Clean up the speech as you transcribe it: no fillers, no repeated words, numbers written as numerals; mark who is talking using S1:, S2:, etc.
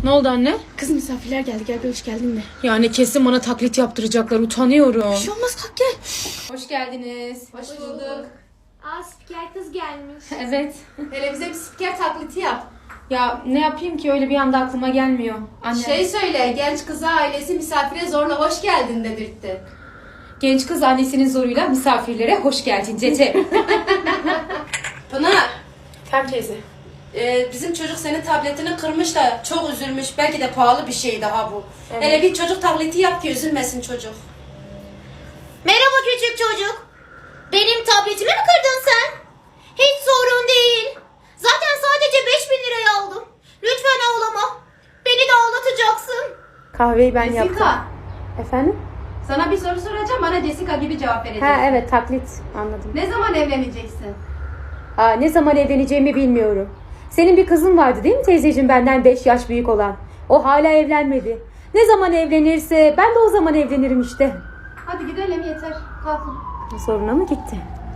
S1: Ne oldu anne?
S2: Kız misafirler geldi, gel bir hoş geldin de.
S1: Yani kesin bana taklit yaptıracaklar, utanıyorum.
S2: Bir şey olmaz, kalk gel.
S1: Hoş geldiniz.
S3: Hoş bulduk.
S2: Aa, spiker kız gelmiş.
S1: Evet.
S3: Hele bize bir spiker taklidi yap.
S1: Ya ne yapayım ki, öyle bir anda aklıma gelmiyor. Anne.
S3: Şey söyle, genç kıza ailesi misafire zorla hoş geldin dedirtti.
S1: Genç kız annesinin zoruyla misafirlere hoş geldin Cece.
S3: Pınar,
S2: Tamam teyze.
S3: bizim çocuk senin tabletini kırmış da çok üzülmüş. Belki de pahalı bir şey daha bu.
S1: Evet.
S3: Hele bir çocuk taklidi yap ki üzülmesin çocuk.
S4: Merhaba küçük çocuk. Benim tabletimi mi kırdın sen? Hiç sorun değil. Zaten sadece 5.000 liraya aldım. Lütfen ağlama. Beni de ağlatacaksın.
S1: Kahveyi ben yaptım.
S3: Jessica,
S1: Efendim?
S3: sana bir soru soracağım, bana Jessica gibi cevap vereceksin.
S1: Ha evet, taklit, anladım.
S3: Ne zaman evleneceksin?
S1: Ne zaman evleneceğimi bilmiyorum. Senin bir kızın vardı değil mi teyzeciğim, benden 5 yaş büyük olan? O hala evlenmedi. Ne zaman evlenirse ben de o zaman evlenirim işte.
S3: Hadi gidelim yeter. Kalkın.
S1: Soruna mı gitti?